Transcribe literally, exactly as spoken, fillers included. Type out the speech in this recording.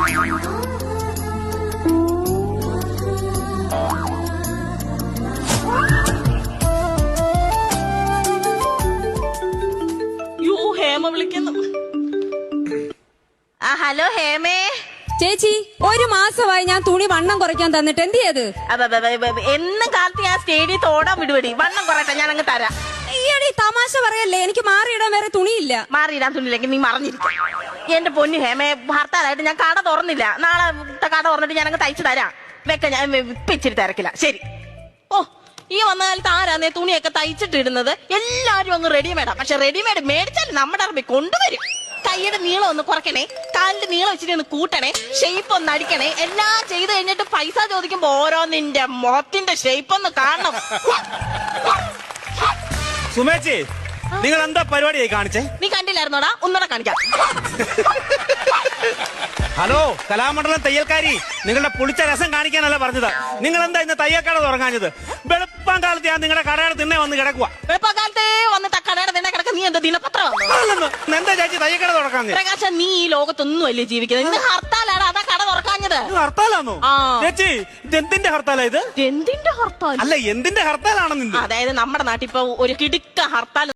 യോ ഹേമ വിളിക്കുന്നു. ആ ഹലോ ഹേമേ. ചേച്ചി, ഒരു മാസമായി ഞാൻ തുണി വണ്ണം കുറയ്ക്കാൻ തന്നിട്ട് എന്ത് ചെയ്ത്? എന്നും കാലത്ത് ഞാൻ സ്റ്റേഡിയത്ത് ഓടാൻ വിടുപടി. വണ്ണം കുറയട്ടെ, ഞാൻ അങ്ങ് തരാം. ഈയടി തമാശ പറയല്ലേ, എനിക്ക് മാറിയിടാൻ വേറെ തുണിയില്ല. മാറിയിടാൻ തുണിയില്ലെങ്കിൽ നീ മറിഞ്ഞിരിക്കും. എന്റെ പൊന്നു ഹേമേ, ഭർത്താവായിട്ട് ഞാൻ കട തുറന്നില്ല. നാളെ കട തുറന്നിട്ട് ഞാൻ അങ്ങ് തയ്ച്ചു തരാം. വെക്ക, ഞാൻ ഇപ്പൊ ഇച്ചിരി തിരക്കില്ല. ശരി. ഓ, ഈ വന്ന കാലത്ത് ആരാന്നേ തുണിയൊക്കെ തയ്ച്ചിട്ടിടുന്നത്? എല്ലാരും അങ്ങ് റെഡിമേഡാ. പക്ഷെ റെഡിമേഡ് മേടിച്ചാൽ നമ്മുടെ അറബി കൊണ്ടുവരും. കൈയുടെ നീളം ഒന്ന് കുറയ്ക്കണേ, കാലിന്റെ നീളം വെച്ചിട്ട് ഒന്ന് കൂട്ടണേ, ഷേപ്പ് ഒന്ന് അടിക്കണേ. എല്ലാം ചെയ്ത് കഴിഞ്ഞിട്ട് പൈസ ചോദിക്കുമ്പോ ഓരോ നിന്റെ മുഖത്തിന്റെ ഷേപ്പ് ഒന്ന് കാണണം. സുമേച്ചി, നിങ്ങൾ എന്താ പരിപാടിയായി കാണിച്ചേ? നീ കണ്ടില്ലായിരുന്നോടാ? ഒന്നുകൂടെ കാണിക്കാം. ഹലോ കലാമണ്ഡലം തയ്യൽക്കാരി, നിങ്ങളുടെ പുളിച്ച രസം കാണിക്കാനല്ല പറഞ്ഞത്. നിങ്ങൾ എന്താ ഇന്ന് തയ്യൽക്കട തുറങ്ങാഞ്ഞത്? വെളുപ്പം കാലത്ത് ഞാൻ നിങ്ങളുടെ കടയുടെ തിണ്ണെ വന്ന് കിടക്കുക. വെളുപ്പം കാലത്തെ വന്നിട്ട് കടയുടെ തിണ്ണെ കിടക്ക. നീ എന്താ ദിനപത്രം? എന്താ ചേച്ചി തയ്യൽക്കട തുറക്കാൻ? പ്രകാശ, നീ ഈ ലോകത്തൊന്നും അല്ലേ ജീവിക്കുന്നത്? ഇന്ന് ഹർത്താലാണ്, അതാ കട തുറക്കാഞ്ഞത്. ഹർത്താലാണോ ചേച്ചി? എന്തിന്റെ ഹർത്താലാ ഇത്? എന്തിന്റെ ഹർത്താൽ? അല്ല, എന്തിന്റെ ഹർത്താലാണെന്ന്? അതായത് നമ്മുടെ നാട്ടിൽ ഇപ്പൊ ഒരു കിടുക്ക ഹർത്താൽ